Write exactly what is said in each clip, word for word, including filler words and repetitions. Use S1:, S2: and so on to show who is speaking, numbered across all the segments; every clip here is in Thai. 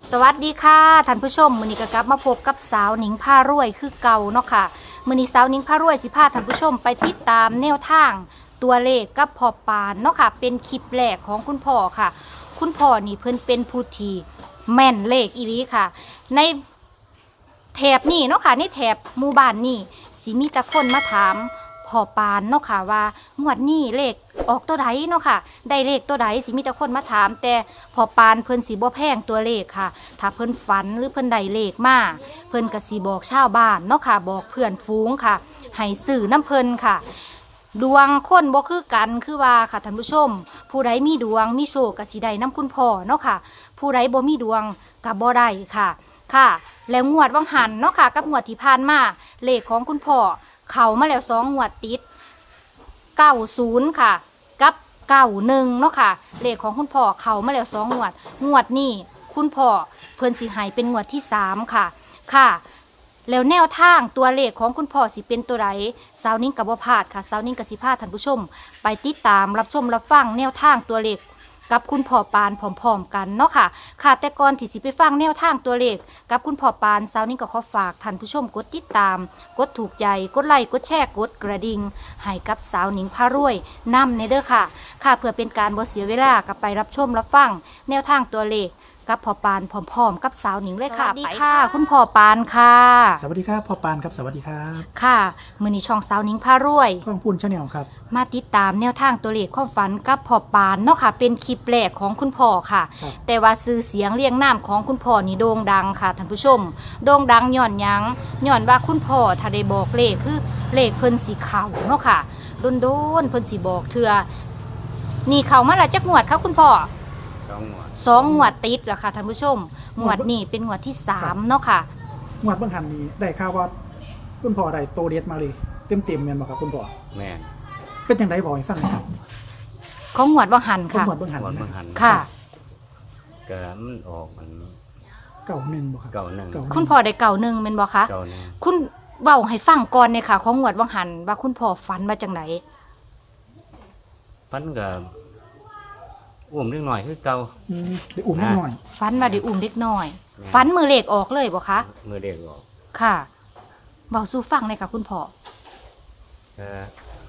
S1: สวัสดีค่ะท่านผู้ชมมื้อนี้ก็กลับมาพบกับสาวหนิงพารวยคือเก่าเนาะค่ะมื้อนี้สาวหนิงพารวยสิพาท่านผู้ชมไปติดตามแนวทางตัวเลขกับพ่อปานเนาะค่ะเป็นคลิปแรกของคุณพ่อค่ะ คุณพ่อนี่เพิ่นเป็นผู้ที่แม่นเลขอีหลีค่ะในแถบนี้เนาะค่ะในแถบหมู่บ้านนี่สิมีแต่คนมาถามพ่อปานเนาะค่ะว่างวดนี้เลขออกตัวใดเนาะค่ะได้เลขตัวใดสิมีแต่คนมาถามแต่พ่อปานเพิ่นสิบ่แพงตัวเลขค่ะถ้าเพิ่นฝันหรือเพิ่นได้เลขมาเพิ่นก็สิบอกชาวบ้านเนาะค่ะบอกเพื่อนฝูงค่ะให้ซื้อน้ำเพิ่นค่ะดวงคนบ่คือกันคือว่าค่ะท่านผู้ชมผู้ใดมีดวงมีโชคก็สิได้น้ำคุณพ่อเนาะค่ะผู้ใดบ่มีดวงก็บ่ได้ค่ะค่ะแล้วงวดวังหันเนาะค่ะกับงวดที่ผ่านมาเลขของคุณพ่อเข้ามาแล้วสองงวดติดเก้าศูนย์ค่ะกับเก้าหนึ่งเนาะค่ะเลขของคุณพ่อเข้ามาแล้วสองงวดงวดนี้คุณพ่อเพิ่นสิให้เป็นงวดที่สามค่ะค่ะแล้วแนวทางตัวเลขของคุณพ่อสิเป็นตัวใดสาวนิ่งกับบ่พลาดค่ะสาวนิ่งกับสิพาท่านผู้ชมไปติดตามรับชมรับฟังแนวทางตัวเลขกับคุณพ่อปานพร้อมๆกันเนาะค่ะค่ะแต่ก่อนที่สิไปฟังแนวทางตัวเลขกับคุณพ่อปานสาวนิ่งก็ขอฝากท่านผู้ชมกดติดตามกดถูกใจกดไลค์กดแชร์กดกระดิ่งให้กับสาวนิ่งพารวยนำในเด้อค่ะค่ะเพื่อเป็นการบ่เสียเวลากับไปรับชมรับฟังแนวทางตัวเลขกับพ่อปานพร้อมๆกับสาวหนิงเลยค่ะสวัสดีค่ะคุณพ่อปานค่ะ
S2: สวัสดีครับพ่อปานครับสวัสดีครับ
S1: ค่ะมื้อนี้ช่องสาวหนิงพารวย
S2: ข้องพูนชาแนลครับ
S1: มาติดตามแนวทางตัวเลขความฝันกับพ่อปานเนาะค่ะเป็นคลิปแรกของคุณพ่อค่ะแต่ว่าชื่อเสียงเรียงนามของคุณพ่อนี่โด่งดังค่ะท่านผู้ชมโด่งดังย้อนหยังย้อนว่าคุณพ่อถ้าได้บอกเลขคือเลขเพิ่นสิเข้าเนาะค่ะโดนๆเพิ่นสิบอกเทื่อนี่เข้ามาแล้วจักงวดครับคุณพ่อ
S3: สองงวด
S1: สองงวดติดแล้วค่ะท่านผู้ชมงวดนี้เป็นงวดที่สามเนาะค่ะ
S2: งวดเบื้องหันนี้ได้ข่าวว่าคุณพ่อได้โตเด็ดมาเลยเต็มเต็มๆแม่นบ่ครับคุณพ่อ
S3: แม่น
S2: เป็นจังไดบ่ให้ฟังหน่อยครับ
S1: ของงวดวังหันค่ะ
S2: งวดเบื้องหัน
S3: งวดเบิ่งหัน
S1: ค่ะ
S3: ก็มันออกมัน
S2: เก้าหนึ่งบ่ครับ
S3: เก้าหนึ่ง
S1: คุณพ่อได้เก่าหนึ่งเป็นบ่คะ
S3: เก้าหนึ่ง
S1: คุณเว้าให้ฟังก่อนเนี่ยค่ะของงวดวังหันว่าคุณพ่อฝันมาจังไหน
S3: พันก็อุ้มนิดหน่อยคือเก่า
S2: อืมได้อุ้มนิดหน่อย
S1: ฝันว่าได้อุ้มเด็กน้อยฝันมือเลขออกเลยบ่คะ
S3: มือเด็กออก
S1: ค่ะเว้าสู่ฟังเลยค่ะคุณพ่อ
S3: เออ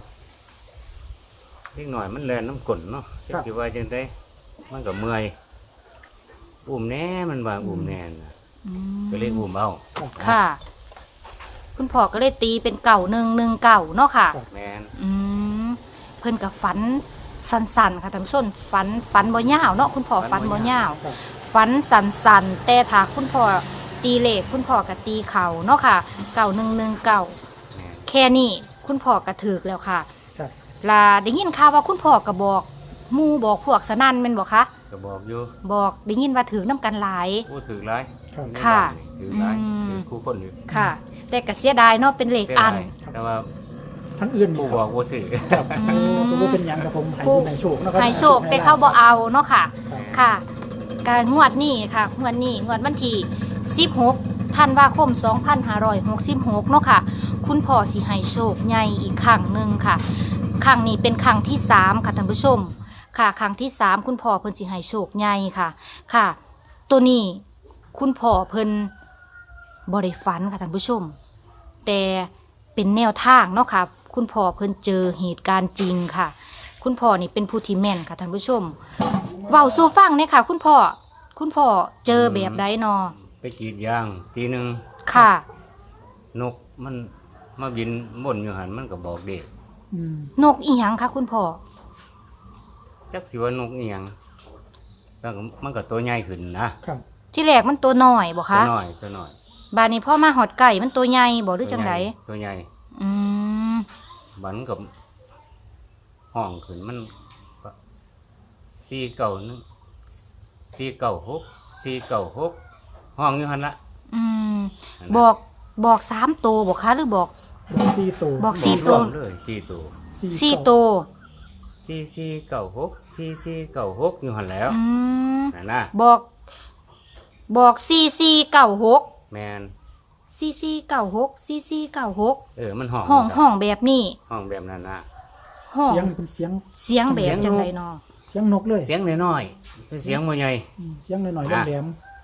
S3: นิดหน่อยมันแล่นน้ำกลนเนาะจักสิว่าจังได๋มันก็เมื่อยอุ้มแน่มันว่าอุ้มแน่น่ะก็เลยอุ้มเอา
S1: ค่ะ คุณพ่อก็เลยตีเป็นเก่าหนึ่งหนึ่งเก่าเนาะค่ะ
S3: แม่น
S1: อืมเพิ่นก็ฝันสั้นๆค่ะท่านผู้ชมฝันฝันบ่ยาวเนาะคุณพ่อฝันบ่ยาวฝันสั้นๆแต่ถ้าคุณพ่อตีเลขคุณพ่อก็ตีเข่าเนาะค่ะเก่าหนึ่งหนึ่งเก่าแค่นี้คุณพ่อก็ถูกแล้วค่ะลาได้ยินข่าวว่าคุณพ่อก็บอกหมู่บอกพวกสนั่นแม่นบ่คะ
S3: ก็บอกอยู่
S1: บอกได้ยินว่าถูกนำกันหลาย
S3: โอ้ถูกหลาย
S1: ค่ะ
S3: ถูกหลายถูกคู่คนอยู่
S1: ค่ะแต่ก็เสียดายเนาะเป็นเลขอัน
S3: แต่ว่า
S2: ทั้งอื่น
S3: ผู้บอกบ่ซื้อ
S2: ครับผู้บ่เป็นหยังกับผมให้ให้โชคเนาะ
S1: ให้โชคแต่เขาบ่เอาเนาะค่ะค่ะการงวดนี้ค่ะงวดนี้งวดวันที่สิบหกธันวาคมสองพันห้าร้อยหกสิบหกเนาะค่ะคุณพ่อสิให้โชคใหญ่อีกครั้งนึงค่ะครั้งนี้เป็นครั้งที่สามค่ะท่านผู้ชมค่ะครั้งที่สามคุณพ่อเพิ่นสิให้โชคใหญ่ค่ะค่ะตัวนี้คุณพ่อเพิ่นบ่ได้ฝันค่ะท่านผู้ชมแต่เป็นแนวทางเนาะค่ะคุณพ่อเพิ่นเจอเหตุการณ์จริงค่ะคุณพ่อนี่เป็นผู้ที่แม่นค่ะท่านผู้ชมเว้าสู่ฟังเนี่ยค่ะคุณพ่อคุณพ่อเจอแบบใดนอ
S3: ไปกรีดยางทีนึง
S1: ค่ะ
S3: นกมันมาบินบนอยู่หันมันก็บอกเด็ก
S1: นกอีหยังคะคุณพ่อ
S3: จักสิว่านกอีหยังแล้วมันก็ตัวใหญ่ขึ้นนะครับ
S1: ที่แรกมันตัวน้อยบ่คะ
S3: ตัวน้อยตัวน้อย
S1: บาดนี้พ่อมาหอดไก่มันตัวใหญ่บ่หรือจังได
S3: ตัวใหญ่
S1: อืม
S3: บันกับห้องขึ้นมันสี่เก่านึงสี่เก่าหกสี่เก่าหกห้องอยู่หันละ
S1: อืมบอกบอกสามตัวบอกคะหรือบอก
S2: สี่ตัว
S1: บอกสี่ตัว
S3: เลยสี่ตัว
S1: สี่ตัว
S3: สี่สี่เก่าหกสี่สี่เก่าหกอยู่หันแล้วนั่นนะ
S1: บอกบอกสี่สี่เก่าหก
S3: แมน
S1: ซีซีเก่าหกซีซีเก่าหก
S3: เออมันห้อง
S1: ห้องห้องแบบนี้
S3: ห้องแบบนั้นนะ
S2: เสียงเป็นเสียง
S1: เสียงแบบจังไรนอ
S2: เสียงนกเลย
S3: เสียงน้อยๆเสียงบ่ใหญ่
S2: เสียงน้อยๆแหลม
S3: เ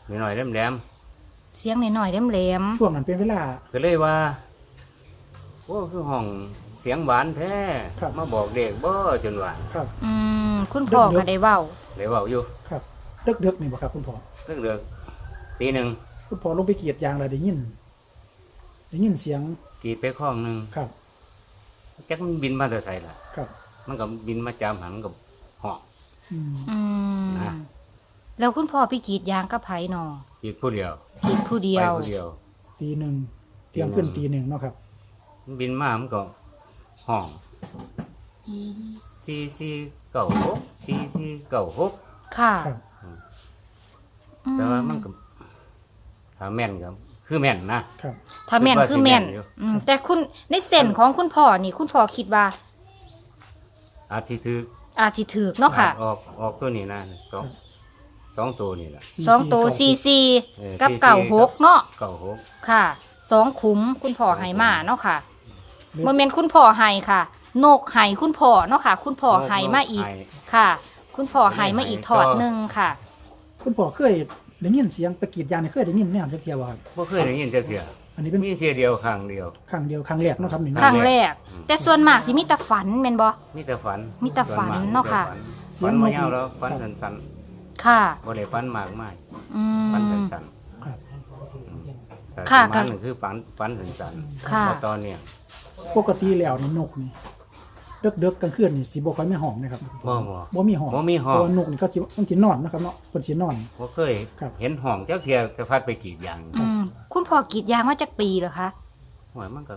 S3: หน่อยๆแหลม
S1: เสียงหน่อยๆแหลม
S2: ช่วงนั้นเป็นเวลา
S3: ๆก็เลยว่าโอ้คือห้องเสียงหวานแท้
S2: ครับ
S3: มาบอกเด็กบ่จนว่า
S2: ครับ
S1: ๆอืมคุณพ่อก็ได้เว้า
S3: เลยเว้าอยู่
S2: ครับเดึกๆนี่บ่ครับคุณพ่อ
S3: ตึกเดือกตีหนึ่ง
S2: คุณพ่อลงไปกรีดยางแล้วได้ยินได้ยินเสียง
S3: กรีดไปข้องหนึง
S2: ครับ
S3: จักมันบินมาแต่ไสล่ะ
S2: ครับ
S3: มันก็บินมาจามหันกับห้อง
S2: อืม
S1: อืม
S3: นะ
S1: แล้วคุณพ่อไปกรีดยางกับไผหนอก
S3: รีดผู้เดียว
S1: กรีดผู้เดีย
S3: ไป
S1: ว
S3: ผู้เดียว
S2: ตีหนึ่งเตรียมขึ้นตีหนึ่งเนาะครับ
S3: มันบินมามันก็ห้องสี่สี่เก้าหกสี่สี่เก้าหก
S1: ค่ะ
S2: ครับ
S1: อื
S3: แต่ว่ามันก็ถ้าแม่นก็คือแม่นนะครับ
S1: ถ้าแม่นคือแม่น
S3: คิดว่าสิแม่นอยู่
S1: อืมแต่คุณในเส้นของคุณพ่อนี่คุณพ่อคิดว่า
S3: อาจสิถือ
S1: อาจสิถูกเนาะค่ะ
S3: ออกออกตัวนี้นะสองสองตัวนี่แหละ
S1: สองตัวซีซี
S3: เออ
S1: กับ
S3: สี่สี่
S1: เก่าหกเนาะ
S3: เก้าหก
S1: ค่ะสองขุมคุณพ่อให้มาเนาะค่ะ
S2: หรือ
S1: โมเมนต์คุณพ่อให้ค่ะ นกให้คุณพ่อเนาะค่ะ คุณพ่อให้มาอีก
S3: ให้
S1: ค่ะ คุณพ่อให้มาอีกถอดหนึ่งค่ะ
S2: คุณพ่อเคยได้ยินเสียงไปกรีดยางนี่เคยได้ยินแน่จักเที่ยวบ่ครับ
S3: บ่เคยได้ยินจักเทื่อ
S2: อันนี้เป็น
S3: มีเทื่อเดียวครั้งเดียว
S2: ครั้งเดียวครั้งแรกเนาะครับนี่
S1: ค
S2: เนาะ
S1: รั้งแรก
S3: อืม
S1: แต่ส่วนมากสิมีแต่ฝันแม่นบ่
S3: มีแต่ฝัน
S1: มีแต่ฝันเนาะค่ะ
S2: เสีย
S3: ฝั
S2: ง
S3: น
S2: นก
S3: มายาวแล้วฝันสั้น
S1: ค่ะ
S3: ๆบ่ได้ฝันมากมาย
S1: อื
S3: ฝัน
S1: ม
S3: สั้น
S2: ครับ
S3: ๆแต่
S1: ค่ะ
S3: ประมาณนึงคือฝันฝันสั้นๆ
S1: ค่ะ
S3: เพราะตอนเนี้ย
S2: ปกติแล้วนี่นกนี่เดึกๆกลางคืนนี่สิบ่ค่อยมีห้องนะครับ
S3: บ่บ่
S2: บ่มีห้อง
S3: บ่มีห้อง
S2: เพราะว่านกนี่เขาสิมันสินอนนะครับเนาะเพิ่นสินอน
S3: บ่เคย
S2: ครับ
S3: เห็นห้องจักเทื่อจะพัดไปกรีดยาง
S1: อืมคุณพ่อกรีดยางมาจากปีเหรอคะ
S3: โอ้ยมันก็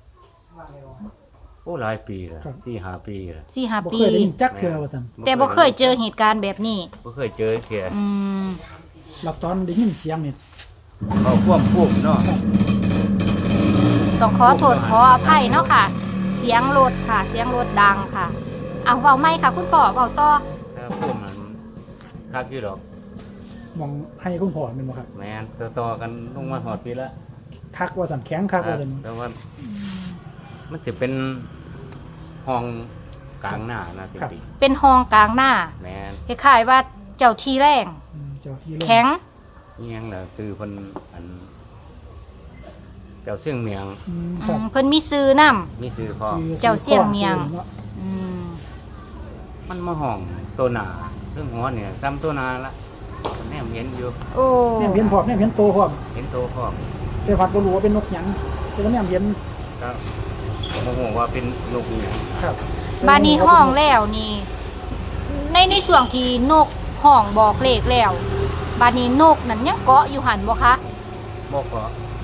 S3: โอ้หลายปีแล้ว
S2: ครับ
S3: สี่ห้าปีแล้ว
S1: สี่ห้า
S2: บ่
S1: ปี
S2: เคยได้ยินจักเทื่อว่าซั่น
S1: แต่บ่เคยเจอเหตุการณ์แบบนี้
S3: บ่เคยเจอเทื่อ
S1: อืม
S2: แล้วตอนได้ยินเสียงนี่
S3: เขาควบคุมเนาะ
S1: ต้องขอโทษขออภัยเนาะค่ะ เสียงรถค่ะ เสียงรถดังค่ะเอาเว้าไม่ค่ะ คุณพ่อเว้าต่อ
S3: ถ้าคุมมันคักอยู่ดอก
S2: มองให้คุณพ่อแม่นบ่ครับ
S3: แม่นต่อๆกันลงมาหอดปีละ
S2: คักว่าซั่นแข็งคักว่าซั่น
S3: แต่ว่ามันจะเป็นห้องกลางหน้านะจริง
S1: เป็นห้องกลางหน้า
S3: ๆแม่น
S1: คล้ายๆว่าเจ้าที่แรง
S2: อืมเจ้าที่เล่น
S1: แข็ง
S3: เมียงแหละซื้อเพิ่นอันเจ้าเสี่ยงเมียง
S2: อืมค
S1: อื
S2: รับ
S1: มเพิ่นมีซื้อนํ
S3: มีซื้อพร้อม
S2: ชื่อ
S1: เจ้าเสี่ยงเมียง
S2: เนาะ
S1: อืม
S3: มันมาห้องตัวหนาเรื่องหัวเนี่ยซ้ำตัวหนาละแนมเห็นอยู่
S1: โอ้
S2: แม่นเห็นพร้อมแม่นเห็นโตพร้อม
S3: เห็นตัวพร้อม
S2: แต่วัดบ่รู้ว่าเป็นนกหยังแต่ว่าแม่นเห็น
S3: ก็โมโหว่าเป็นลูกอหย่าง
S2: ครับ
S1: บานี้ห้องแล้วนี่ ในในช่วงที่นกห้องบอกเลขแล้ว บานี้นกนั่นยังเกาะอยู่หันบ่คะ
S3: บอกก็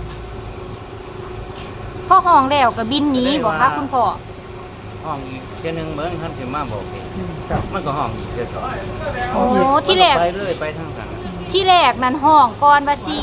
S1: พอห้องแล้วก็บินหนีบ่คะคุณพ่อ
S3: ห้องอีกเจ้าหนึ่งเหมือนท่านสิมาบอกเอง
S2: อืมครับ
S3: มันก็ห้องอีกเจ้าสอง
S1: โอ้ที่แรก
S3: ไปเลยไปทางกัน
S1: ที่แรกนั้นห้องก่อนว่า4 4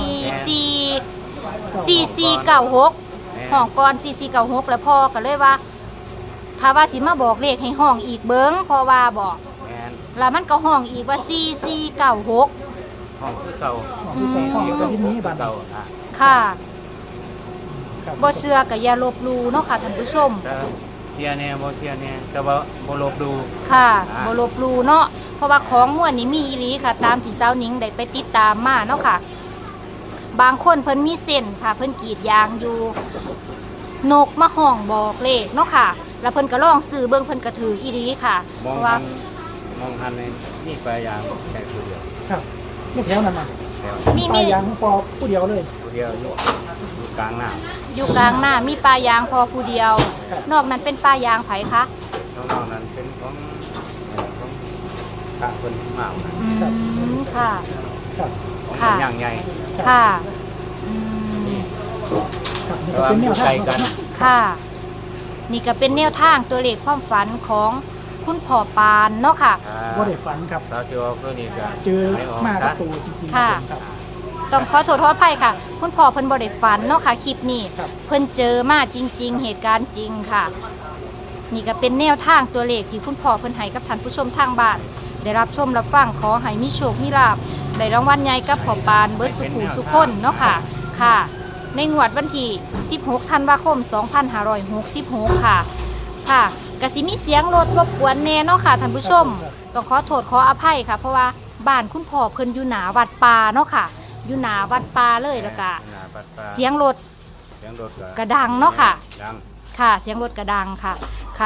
S1: 4 4 9 6ห้องก่อน4 4 9 6แล้วพ่อก็เลยว่า ถ้าว่าสิมาบอกเลขให้ห้องอีกเบิ่งเพราะว่าบอก
S3: แม่น
S1: แล้วมันก็ห้องอีกว่าสี่ สี่ เก้า หก
S3: ห้องคือเก่า
S2: ห้องคือเก่าห้องก็ยินนี้บัด
S3: เก่านะ
S1: ค่ะ
S2: ครับ
S1: บ่เชื่อก็อย่าลบหลู่เนาะค่ะท่านผู้ชม
S3: แต่เสียแน่บ่เสียแน่แต่ว่าบ่ลบดู
S1: ค่ะ
S3: อ่า
S1: บลบหลูเนาะเพราะว่าของม่วนนี้มีอีหลีค่ะ ตามที่สาวหนิงได้ไปติดตามมาเนาะค่ะ บางคนเพิ่นมีเส้นค่ะ เพิ่นกรีดยางอยู่ นกมาห้องบอกเลขเนาะค่ะ แล้วเพิ่นก็ลองซื้อเบิ่งเพิ่นก็ถืออีหลีค่ะ
S3: ม
S1: เพ
S3: อง
S1: ราะ
S3: หั
S1: ว่า
S3: นมองหันในนี่ปลายางแค่ผู้เดียว
S2: ครับลูกแถวนั้นน่ะ
S3: แล้ว
S1: มี
S2: ป
S1: มี
S2: ลายยางของปอผู้เดียวเลย
S3: ผู้เดียวอยู่อยู่กลางหน้า
S1: อยู่กลางหน้ามีปลายางพอผู้เดียว
S2: ครับ
S1: นอกนั้นเป็นปลายางไผคะ
S3: น้องๆนั้นเป็นของเอ่อของพระเพิ่นมากนะ
S1: อืมค่ะ
S2: ครับ
S3: ของ
S1: ค่ะ
S3: เป็นอย่างใหญ่
S1: ค่ะอืม
S2: ครับนี่
S3: แต่
S2: ก็
S3: ว่า
S2: เป็น
S3: มัน
S2: แน
S3: อ
S2: ว
S3: ยู่
S2: ทา
S3: ไกล
S2: ง
S3: กัน
S2: เนาะ
S1: ค่ะ นี่ก็เป็นแนวทางตัวเลขความฝันของคุณพ่อปานเนาะค่ะ
S2: บ่ได้ฝันครับ
S3: สาวจิวก็นี่ก็
S2: เจอ
S3: ให้ก
S2: มากับ
S3: ซะ
S2: ตัวจริงๆ
S1: ค่ะ
S2: ครับ
S1: ต้องขอโทษขออภัยค่ะ คุณพ่อเพิ่นบ่ได้ฝันเนาะค่ะคลิปนี้
S2: ครับ
S1: เพิ่นเจอมาจริง ๆ เหตุการณ์จริงค่ะ นี่ก็เป็นแนวทางตัวเลขที่คุณพ่อเพิ่นให้กับท่านผู้ชมทางบ้าน ได้รับชมรับฟังขอให้มีโชคมีลาภได้รางวัลใหญ่กับพ่อปานเบิดสุขุสุขคนเนาะค่ะค่ะ ในงวดวันที่สิบหกธันวาคมสองพันห้าร้อยหกสิบหกค่ะค่ะกสิมีเสียงรถรบกวนแน่เนาะค่ะท่านผู้ชม ต้องขอโทษขออภัยค่ะ เพราะว่าบ้านคุณพ่อเพิ่นอยู่หนาวัดป่าเนาะค่ะอยู่หน้าวัดป่าเลยแล้วก็
S3: หน้าวัดป่า
S1: เสียงรถ
S3: เสียงรถ
S1: กระดังเนาะค่ะ
S3: ดัง
S1: ค่ะเสียงรถกระดังค่ะค่ะ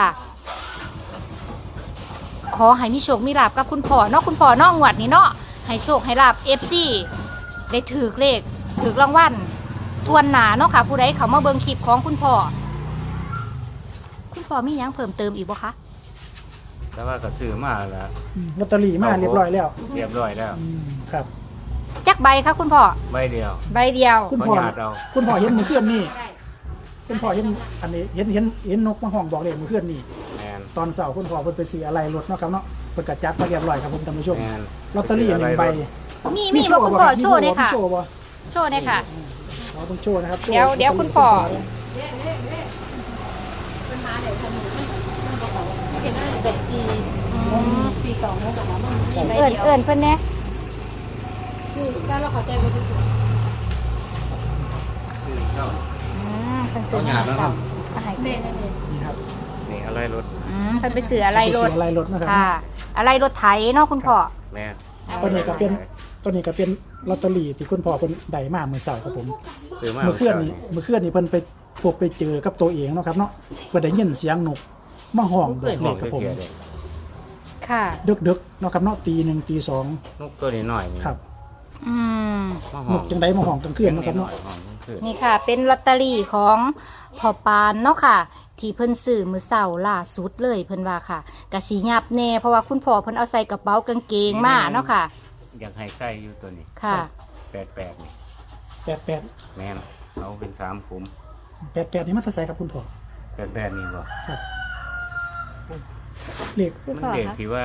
S1: ขอให้มีโชคมีลาบกับคุณพ่อเนาะคุณพ่อเนาะงวดนี้เนาะให้โชคให้ลาบ เอฟ ซี ได้ถือเลขถือรางวัลทวนหนาเนาะค่ะ ผู้ใดเขามาเบิ่งคลิปของคุณพ่อคุณพ่อมีหยังเพิ่มเติมอีกบ่คะ
S3: แต่ว่าก็ซื้อมาแล้ว
S2: อืมลอตเตอรี่มาเรียบร้อยแล้ว
S3: เรียบร้อยแล้ว
S2: อืมครับ
S1: จักใบคะคุณพ่อ
S3: ใบเดียว
S1: ใบเดียว
S2: คุณพ่อ
S3: บ่ญาติเอา
S2: คุณพ่อเห็นมือเคลื่อนนี่คุณพ่อเห็นอันนี้เห็นเห็นเห็นนกมาห้องบอกเลขมือเคลื่อนนี่
S3: แมน
S2: ตอนเสาร์คุณพ่อเพิ่นไปซื้ออะไรรถเนาะครับเนาะเพิ่นก็จัดมาเรียบร้อยครับผมท่านผู้ชม
S3: แมน
S2: ลอตเตอรี่หนึ่งใบ
S1: มีมีบ่คุณพ่อโชว์เลยค่ะ
S2: มีโชว์บ่
S1: โชว์เลยค่ะ
S2: เราต้องโชว์นะครับ
S1: เดี๋ยวเดี๋ยวคุณพ่อ อืม
S4: สี่สองแล้วแต่ว่ามัน
S1: เอิ่นเอิ่นเพิ่นแน่
S4: คือการเราเข้าใจว่าทุกคน
S3: ซื้อเข้า
S1: อืมเพิ่นซื้อ
S3: เอาหยาดแล้วครับ
S1: มาให้
S4: เน่เน่เน่
S2: นี่ครับ
S3: นี่อะไรรถ
S1: อืมเพิ่นไปซื้ออะไรร
S2: ไป
S1: ถ
S2: ซื้ออะไรรถนะครับ
S1: ค่ะ อะไรรถไถเนาะคุณพ่อ
S3: แมน
S2: ตัวนี้ก็เป็นตัวนี้ก็เป็นลอตเตอรี่ที่คุณพ่อเพิ่นได้มาเมื่อเสาร์ครับผม
S3: ซื้อมา
S2: เมื่อเคลื่อนนี่เมื่อเคลื่อนนี่เพิ่นไปพบไปเจอกับตัวเองเนาะครับเนาะเพิ่นได้ยินเสียงนกมาห้องบ
S3: เล
S2: อย ก
S3: ห
S2: เล
S3: อง
S2: ขครับผม
S3: เกียร์เลย
S1: ค่ะ
S2: ดึกๆเนาะครับเนาะตีหนึ่งตีสอง
S3: นกตัวนี้หน่อยนี่
S2: ครับ
S1: อืม
S3: มาห้
S2: น
S3: อง
S2: กจังไดมาห้องกลางคืนเนาะครับเนาะ
S3: ห้องกลางคืน
S1: นี่ค่ะ เป็นลอตเตอรี่ของพ่อปานเนาะค่ะ ที่เพิ่นซื้อมือเสาร์ล่าสุดเลยเพิ่นว่าค่ะกะสียับแน่เพราะว่าคุณพ่อเพิ่นเอาใส่กระเป๋ากางเกงมาเนาะค่ะ
S3: อยากให้ใส่อยู่ตัวนี้
S1: ค่ะ
S3: แปดแปดนี่
S2: แปดแปด
S3: แมนเอาเป็นสามขุม
S2: แปดแปดนี่มันเท่าไสครับคุณพ่อ
S3: แปดแปดนี่บ่
S2: ครับเลข
S3: มันเด็กที่ว่า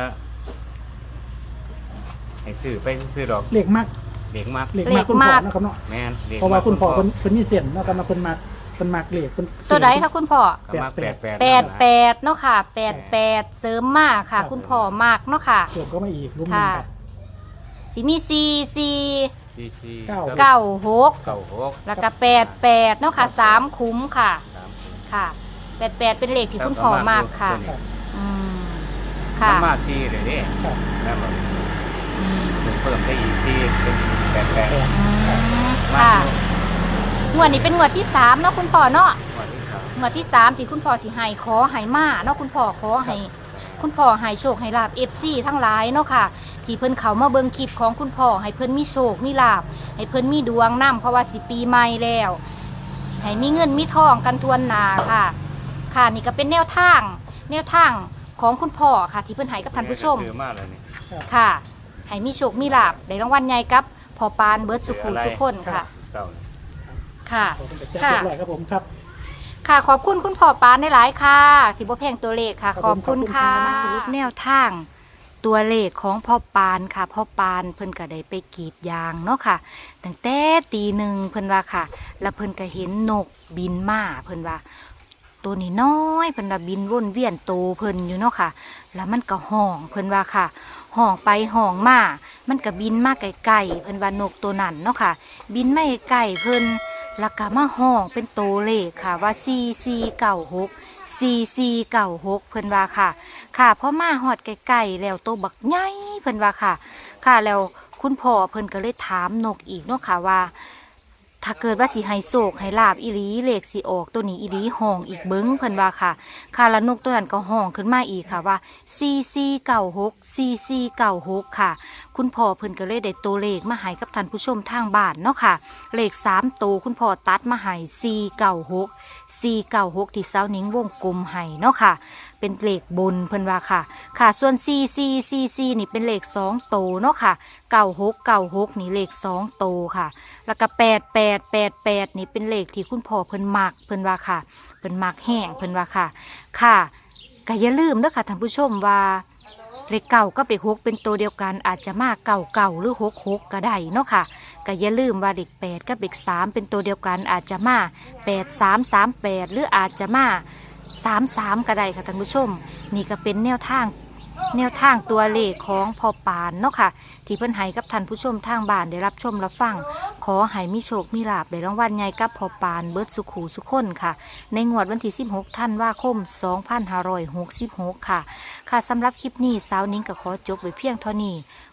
S3: ให้ซื้อไปซื้อดอก
S2: เลขมัก
S3: เด็กมาก
S2: เลขมักคุณพ่อเนาะครับเนาะ
S3: แมนด็ก
S2: เพราะว่าคุณพ่อ
S3: มก
S2: เพิ่นเพิ่นมีเส้นเนาะครับเนาะเพิ่นมักเพิ่นมักเลขเพิ่น
S1: ตัวใดคะคุณพ่อ
S3: ก็มาแปดแปด
S1: แปดแปดเนาะค่ะแปดแปดเสริมมากค่ะ คุณพ่อมากเนาะค่ะ
S2: เพิ่มก็มาอีกรุ่มหนึงครับ
S1: สิมีสี่สี่
S3: สี่สี่
S2: เก้า
S1: เก้าหก
S3: เก้าหก
S1: แล้วก็แปดแปดเนาะค่ะสามคุ้มค่ะ
S3: สามขุม
S1: ค่ะแปดแปดเป็นเลขที่คุณพ่อมากค่ะ
S2: ครับ
S1: อืม
S3: มัน
S1: ค่ะ
S3: มาสี่เลยเด้
S2: ครับ
S3: แล้วก็
S1: อืม
S3: เพิ่มได้อีกสี่เป็นแปดแปด
S2: แปด
S1: อืม
S3: มา
S1: ค่ะงวดนี้เป็นงวดที่สามเนาะคุณพ่อเนาะ
S3: วันที่สาม
S1: งวดที่สามที่คุณพ่อสิให้ขอให้มาเนาะคุณพ่อขอให้คุณพ่อให้โชคให้ลาบเอฟซีทั้งหลายเนาะค่ะ ที่เพิ่นเขามาเบิ่งคลิปของคุณพ่อให้เพิ่นมีโชคมีลาบให้เพิ่นมีดวงนํเพราะว่าสิปีใหม่แล้วให้มีเงินมีทองกันทวนหนาค่ะ ค่ะนี่ก็เป็นแนวทาง แนวทางของคุณพ่อค่ะ ที่เพิ่นให้กับท่านผู้ชม
S3: ซื้อมาแล้วนี่
S1: ค่ะให้มีโชคมีลาบได้รางวัลใหญ่กับพ่อปานเบิร์ดสุขุมสุขคนค่ะ
S3: เก้านี่
S1: ค่ะ
S2: ขอบคุณจัดเรียบร้อยครับผมครับ
S1: ค่ะขอบคุณคุณพ่อปานได้หลายค่ะ ที่บ่แพงตัวเลขค่ะ
S2: ครับ
S1: ขอบคุณค่ะ
S2: ขอบคุณค่ะ
S1: มาสรุปแนวทาง ตัวเลขของพ่อปานค่ะพ่อปานเพิ่นก็ได้ไปกรีดยางเนาะค่ะตั้งแต่ตีหนึ่งเพิ่นว่าค่ะ แล้วเพิ่นก็เห็นนกบินมาเพิ่นว่า ตัวนี้น้อยเพิ่นว่าบินวนเวียนโตเพิ่นอยู่เนาะค่ะ แล้วมันก็ห้องเพิ่นว่าค่ะห้องไปห้องมามันก็บินมาไกลๆเพิ่นว่านกตัวนั้นเนาะค่ะ บินไม่ไกลเพิ่นแล้วก็มาห้องเป็นโตเลขค่ะว่าสี่สี่เก้าหกสี่สี่เก้าหกเพิ่นว่าค่ะ ค่ะพอมาหอดไกลๆแล้วโตบักใหญ่เพิ่นว่าค่ะ ค่ะแล้วคุณพ่อเพิ่นก็เลยถามนกอีกเนาะค่ะว่า ถ้าเกิดว่าสิให้โศกให้ลาบอีหลีเลขสิออกตัวนี้อีหลีห้องอีกเบิ้งเพิ่นว่าค่ะค่ะแล้วนกตัวนั้นก็ห้องขึ้นมาอีกค่ะว่าสี่สี่เก้าหกสี่สี่เก้าหกค่ะ คุณพ่อเพิ่นก็เลยได้ตัวเลขมาให้กับท่านผู้ชมทางบ้านเนาะค่ะ เลขสามตัวคุณพ่อตัดมาให้สี่เก้าหกสี่เก้าหกที่เสานิ้งวงกลมให้เนาะค่ะ เป็นเลขบนเพิ่นว่าค่ะ ค่ะส่วนสี่สี่สี่สี่นี่เป็นเลขสองโตวเนาะค่ะเก้าหกเก้าหกนี่เลขสองโตวค่ะ แล้วก็แปดแปดแปดแปดนี่เป็นเลขที่คุณพ่อเพิ่นมักเพิ่นว่าค่ะเพิ่นมักแห้งเพิ่นว่าค่ะ ค่ะก็อย่าลืมเด้อค่ะท่านผู้ชมว่าเลขเก่ากับเลขหกเป็นตัวเดียวกันอาจจะมาเก่าเก่าหรือหกหกก็ได้เนาะค่ะก็อย่าลืมว่าเลขแปดกับเลขสามเป็นตัวเดียวกันอาจจะมาแปดสามสามแปดหรืออาจจะมาสามสามก็ได้ค่ะท่านผู้ชม นี่ก็เป็นแนวทางแนวทางตัวเลขของพ่อปานเนาะค่ะ ที่เพิ่นให้กับท่านผู้ชมทางบ้านได้รับชมรับฟังขอให้มีโชคมีลาภได้รางวัลใหญ่กับพ่อปานเบิดสุขหูสุขคนค่ะ ในงวดวันที่สิบหกธันวาคมสองพันห้าร้อยหกสิบหกค่ะ ค่ะสำหรับคลิปนี้สาวนิ้งก็ขอจบไว้เพียงเท่านี้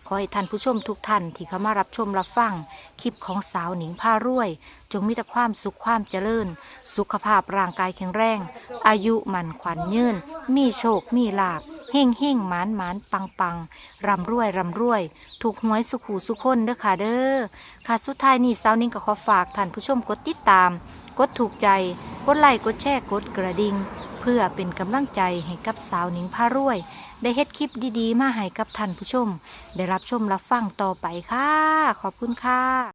S1: ขอให้ท่านผู้ชมทุกท่านที่เข้ามารับชมรับฟังคลิปของสาวหนิงพารวย จงมีแต่ความสุขความเจริญ สุขภาพร่างกายแข็งแรง อายุมั่นขวัญยืนมีโชคมีลาภเฮ่งเฮ่งหมานหมานปังปังร่ำรวยร่ำรวย ถูกหวยสุขหูสุขคนเด้อค่ะเด้อค่ะสุดท้ายนี้สาวหนิงก็ขอฝากท่านผู้ชมกดติดตาม กดถูกใจ กดไลค์กดแชร์กดกระดิ่งเพื่อเป็นกำลังใจให้กับสาวหนิงพารวย ได้เฮ็ดคลิปดีๆ มาให้กับท่านผู้ชม ได้รับชมรับฟังต่อไปค่ะ ขอบคุณค่ะ